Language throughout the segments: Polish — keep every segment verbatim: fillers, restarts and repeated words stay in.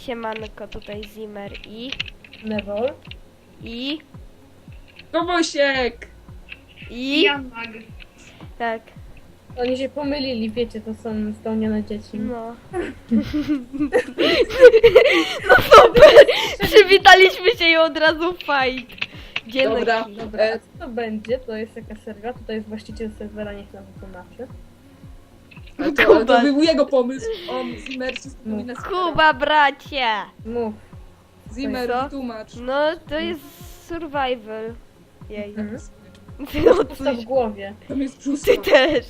Siemanko, tutaj Zimmer i... Neville. I... Kowosiek! I... Janag. Tak, Oni się pomylili, wiecie, to są spełnione dzieci. no. No super! Przywitaliśmy się i od razu fight. Dzień Dobra. Dobra, E, a co to będzie? To jest jaka serwa? Tutaj jest właściciel serwera, niech nam wytłumaczy. ale, to, ale to był jego pomysł. On, Zimmer, wszystko No. mówi na Kuba, bracie! Mów. Zimmer, Co? wytłumacz. No, to jest survival. Jej. Mhm. No, Pusta coś... w głowie. Tam jest brzuszka. Ty też!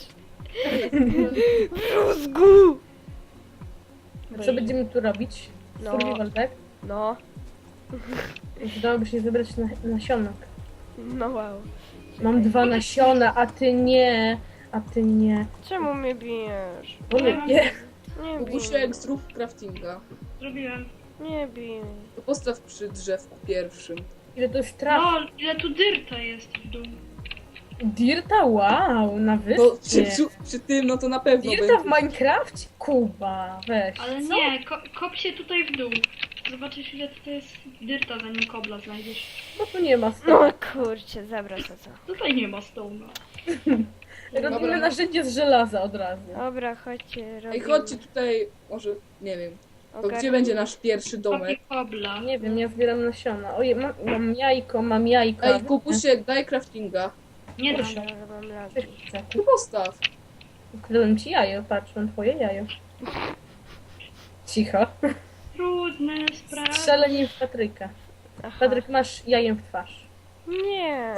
W rózgu! Co będziemy tu robić? No. Survival, tak? No, Przydałoby się zebrać na, nasionek. no wow. Mam dwa nasiona, a ty nie. A ty nie. Czemu mnie bijesz? Bo mnie nie. Nie bij. Kubusiek, zrób craftinga. Zrobiłem. Nie bij. To postaw przy drzewku pierwszym. Ile to jest traf? No, ile tu dyrta jest w dół. Dirta? Wow, na Bo przy, wyspie. przy, przy tym, no to na pewno Dirta w będzie. Minecrafcie? Kuba, weź. Ale Co? nie, ko kop się tutaj w dół. Zobaczysz, ile tutaj jest dyrta, zanim kobla znajdziesz. Bo tu nie ma stołu. No kurczę, zabra to co. Tutaj nie ma stołu. Robimy Dobra. narzędzie z żelaza od razu. Dobra, chodźcie, robimy. Ej, chodźcie tutaj, może, nie wiem. To Ogarnij. gdzie będzie nasz pierwszy Kopie domek? kobla. Nie wiem, ja zbieram nasiona. Ojej, mam, mam jajko, mam jajko. Ej, Kubusiek, daj craftinga. Nie dam. Dobra, mam lagi. Tu postaw. Ukradłem ci jajo, patrz, mam twoje jajo. Cicho. Trudne sprawy. Strzelę nim w Patryka. Aha. Patryk, masz jajem w twarz. Nie.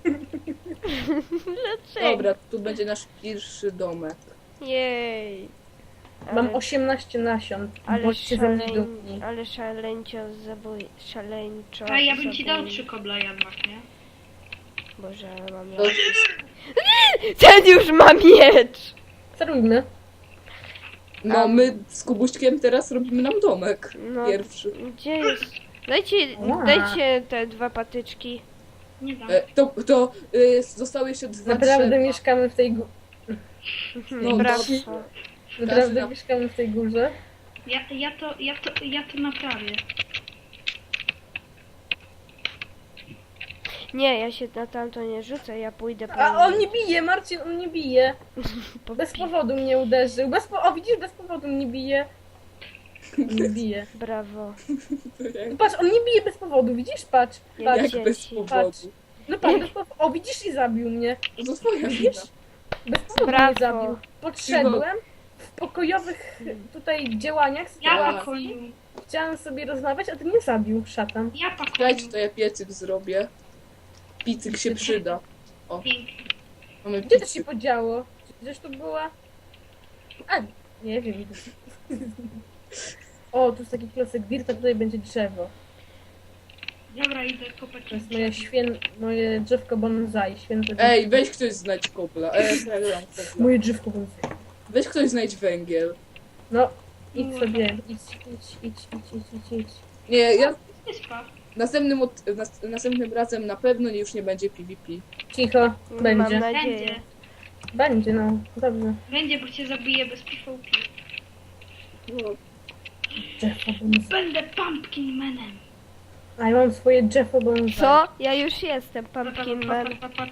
Dlaczego? Dobra, tu będzie nasz pierwszy domek. Jej. Mam Ale- osiemnaście nasion. Ale, Bądźcie ze mnie szaleń, dumni. ale szaleńcio zabój... Szaleńczo... A ja bym ci dał zabój- trzy kobla jednak, nie? Boże, ale mam To, lagi. Ten już ma miecz! Co robimy? no my z Kubuśkiem teraz robimy nam domek. No. Pierwszy. Gdzie jest? Dajcie, Ła. dajcie te dwa patyczki. Nie dam. E, to to y, zostały jeszcze dwa Naprawdę drzewa. mieszkamy w tej gó- No, Brawo. Naprawdę Każdy- mieszkamy w tej górze. Ja, ja, to, ja, to, ja to naprawię. Nie, ja się na tamto nie rzucę, ja pójdę po... A on nie bije, Marcin, on nie bije. po Bez pi- powodu mnie uderzył. Bez po... O, widzisz, bez powodu mnie bije. Nie bije. Brawo. No patrz, on nie bije bez powodu, widzisz? Patrz. Jak Patrz. Jak bez dzieci. powodu. No patrz, bez powodu. O, widzisz i zabił mnie. No to twoja wina. Widzisz? Bez powodu mnie Brawo. zabił. Podszedłem w pokojowych tutaj działaniach. Ja sytuacji. pakuję. Chciałem sobie rozmawiać, a ty mnie zabił, szatan. Ja pakuję. Dajcie, to ja piecyk zrobię. Picyk się przyda. Pięknie. Mamy Gdzie to się piecyk. podziało? Gdzieś tu była? A, nie wiem. O, tu jest taki klocek dirta, tutaj będzie drzewo. Dobra, idę kopać. To jest moje świę... moje drzewko bonsai, święte Ej, drzewko. weź ktoś znajdź kobla. E, przegram kobla. Moje drzewko bonsai. Weź ktoś znajdź węgiel. No, idź sobie, idź, idź, idź, idź, idź, idź, idź. Nie, ja Wyspa. następnym, od, nas, następnym razem na pewno już nie będzie PvP. Cicho, Mam będzie. nadzieję. Będzie. Będzie, no, dobrze. Będzie, bo cię zabiję bez PvP. No, Drzewko bonsai. Będę Pumpkin Manem. A ja mam swoje drzewko bonsai. Co? Ja już jestem Pumpkin Man.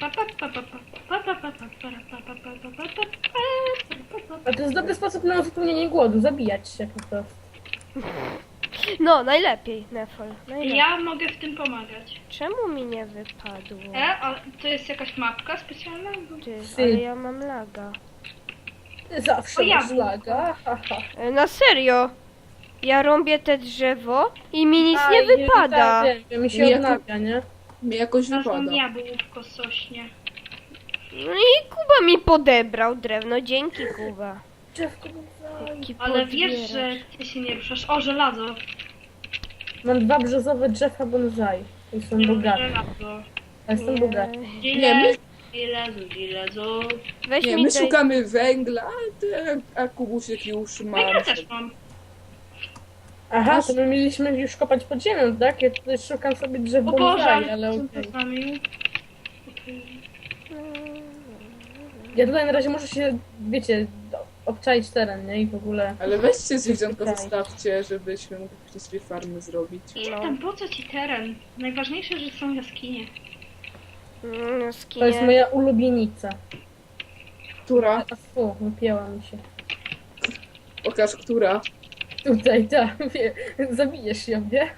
A to jest dobry sposób na uzupełnienie głodu, zabijać się po prostu. No, najlepiej, Nefol. Najlepiej. Ja mogę w tym pomagać. Czemu mi nie wypadło? E, a to jest jakaś mapka specjalna? Ty, Ty. ale ja mam laga. Ty zawsze O, ja masz bym- laga, haha. E, Na serio? Ja rąbię te drzewo i mi nic A, nie i- wypada. Tak, wiem, mi się Mi odnawia, nie? mnie jakoś Znalazłam wypada. jabłko sośnie. No i Kuba mi podebrał drewno, dzięki Kuba. Drzewko bonsai. Taki Ale wiesz, podbierasz. że ty się nie ruszasz. O, żelazo. Mam dwa brzozowe drzewa bonsai. I są Nie, bogate. żelazo. A jestem Nie. bogaty. Nie, my, Żelazo, żelazo. Weź nie, mi my daj... szukamy węgla, a, ty, a Kubusiek już ma. No ja też mam. Aha, to my mieliśmy już kopać pod ziemią, tak? Ja tutaj szukam sobie drzew O bonsai, Boże, ale co okej. to z nami? Okej. Ja tutaj na razie muszę się, wiecie, do, obczaić teren, nie? I w ogóle... Ale weźcie zwierzątko, Okej. zostawcie, żebyśmy mogli później sobie farmy zrobić. Nie No. tam, po co ci teren? Najważniejsze, że są jaskinie. Mm, To jest skinie. moja ulubienica. Która? A fu, wypięła mi się. Pokaż, która. Tutaj, tak, wie, zabijesz ją, nie?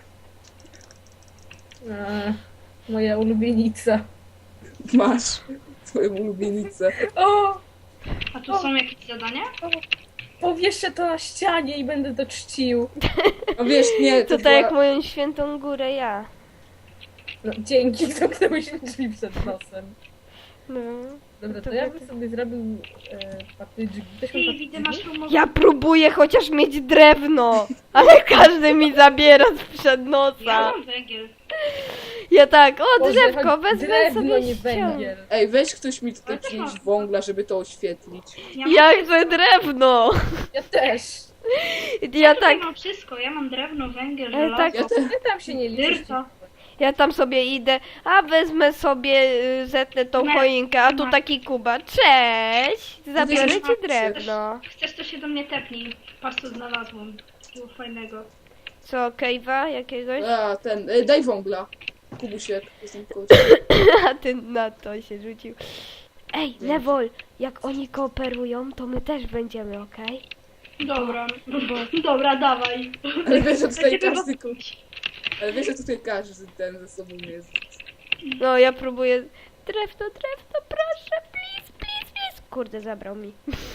A, moja ulubienica. Masz twoją ulubienicę. O! A tu są jakieś zadania? Powieszę to na ścianie i będę to czcił. No wiesz, nie, To to tak jak była... moją świętą górę ja. No, dzięki, zamknąłeś mi drzwi przed nosem. No. Dobra, to To ja by- bym sobie zrobił e, patyczki. Weźmy Ty, widzę, masz patyczki. rumowy. Ja próbuję chociaż mieć drewno, ale każdy mi zabiera sprzed Ja nosa. mam węgiel. Ja tak, o Boże, drzewko, choć wezmę drewno, sobie nie ściągnę. węgiel. Ej, weź ktoś mi tutaj Ale też przynieść mam. wągla, żeby to oświetlić. Ja, mam Ja wszystko. chcę drewno. Ja też. Ja tutaj tak, mam wszystko. Ja mam drewno, węgiel, Ale tak- żelazo. Ja te... Ty tam się nie liczysz. Dyrta. ja tam sobie idę, a wezmę sobie, y, zetnę tą Ne. choinkę, a tu Ne. taki Kuba. Cześć, zabiorę Chcesz- ci drewno. Chcesz, to się do mnie tepnij. Patrz, co znalazłam. Było fajnego. Co, kejwa jakiegoś? A, ten, e, daj wągla. Kubusiek, jestem koło ciebie. A ty na to się rzucił. Ej, Lewol, jak oni kooperują, to my też będziemy, okej? Dobra. Dobra, dawaj. Ale wiesz, że tutaj Będziemy każdy... ko- robić. Ale wiesz, że tutaj każdy ten ze sobą jest. No, ja próbuję... Drewno, drewno, proszę, please, please, please. Kurde, zabrał mi.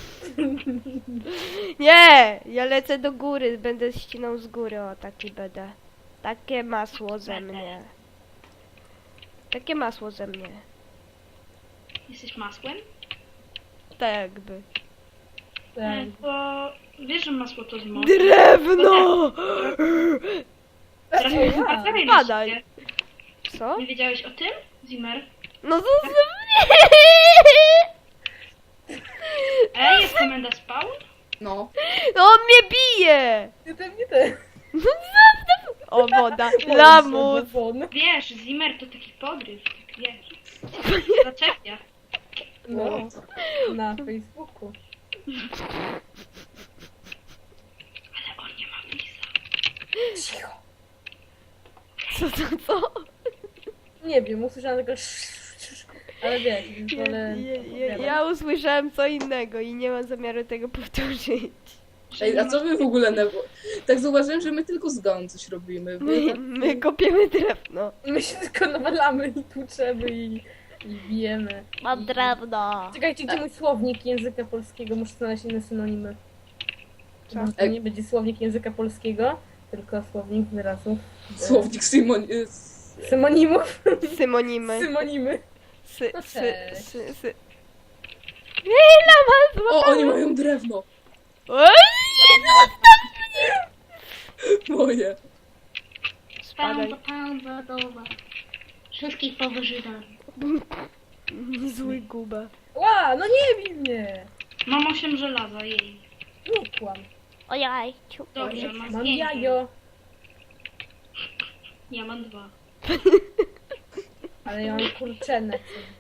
Nie, ja lecę do góry, będę ścinał z góry, o, taki będę. Takie masło ze mnie. Takie masło ze mnie. Jesteś masłem? Tak jakby. Tak. Nie, to... Wiesz, że masło to zmok. Drewno! Teraz O, mi ja. baterii Padaj. na siebie. Co? Nie wiedziałeś o tym, Zimmer? No zostaw mnie! Ej, jest komenda spawn? No. No on mnie bije! Nie ten, nie ten. No zostaw! O, woda, lamus! Won. Wiesz, Zimmer to taki podryw. Wiesz. Zaczepia. No, na Facebooku. Ale on nie ma lisa. Cicho. Co, co, co? Nie wiem, usłyszałam tylko ale wiesz, Ja, wolę... ja, ja, ja usłyszałem co innego i nie mam zamiaru tego powtórzyć. Ej, a co wy w ogóle... Na... Tak zauważyłem, że my tylko z domu coś robimy. Wy My, tak... my kopiemy drewno. My się tylko nawalamy i tłuczemy i, i bijemy. Mam drewno. Czekajcie, gdzie mój słownik języka polskiego? Muszę znaleźć inne synonimy. Co? Może to nie będzie słownik języka polskiego, tylko słownik wyrazów. e, Słownik Simon... y, s- Symonimów. Symonimy. Symonimy. Sy, No sy, cześć. sy, sy. Ej, lama O, złapała. oni mają drewno. Oj, Moje. Spadaj. Spawn, spawn, zadowa. Wszystkich powyżydam. Zły guba. Ła, no nie bij mnie. Mam osiem żelaza, jej. Nie kłam. Ojaj. Dobrze, mam Mam pięć. jajo. Ja mam dwa. Ale ja mam kurczenę.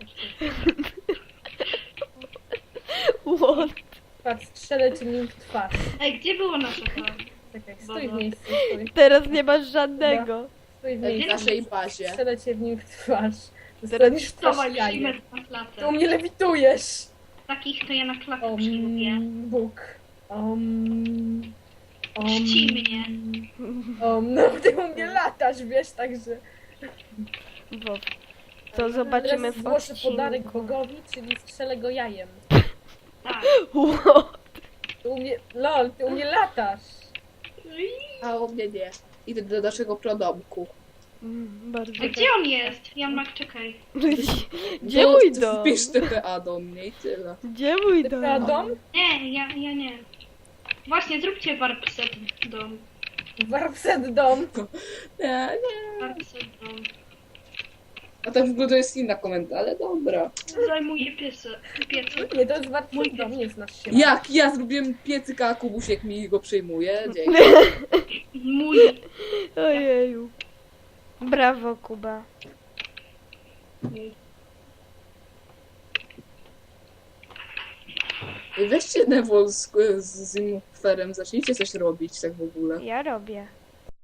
What? Patrz, strzelę ci nim w twarz. Ej, gdzie było nasze to? Czekaj, stój w Dobra. miejscu, stój. Teraz nie masz żadnego. Stój w W miejscu. naszej bazie. Strzelę cię w nim w twarz. Dostaniesz w twarz Dawaj, jajem. Zimmer na Ty u klatę. mnie lewitujesz. Takich to ja na klatę Om, przylubię. Bóg. Om, om, Czci mnie. Om, no ty u mnie latasz, wiesz, także... Bo to zobaczymy Teraz w zgłoszę odcinku. podarek Bogowi, czyli strzelę go jajem. Tak. What? Ty u mnie, lol, ty u mnie latasz. A u mnie nie. Idę do naszego prodomku. Mm, Bardzo A gdzie on jest? Jan Mak, czekaj. Gdzie Do- mój dom? Wpisz T P A do mnie i tyle. Gdzie mój Ty dom? dom? Nie, ja, ja nie. Właśnie, zróbcie warpset dom. Warpset dom. Nie, nie. Warpset dom. A tak w ogóle to jest inna komenda, ale dobra. Zajmuje piece, piece. Nie, to jest warpset dom, nie znasz się. Jak ja zrobiłem piecyka, a Kubusiek mi go przyjmuje. Dzięki. Mój. Ojeju. Brawo, Kuba. Weźcie Neville z, z Zimferem, zacznijcie coś robić tak w ogóle. Ja robię.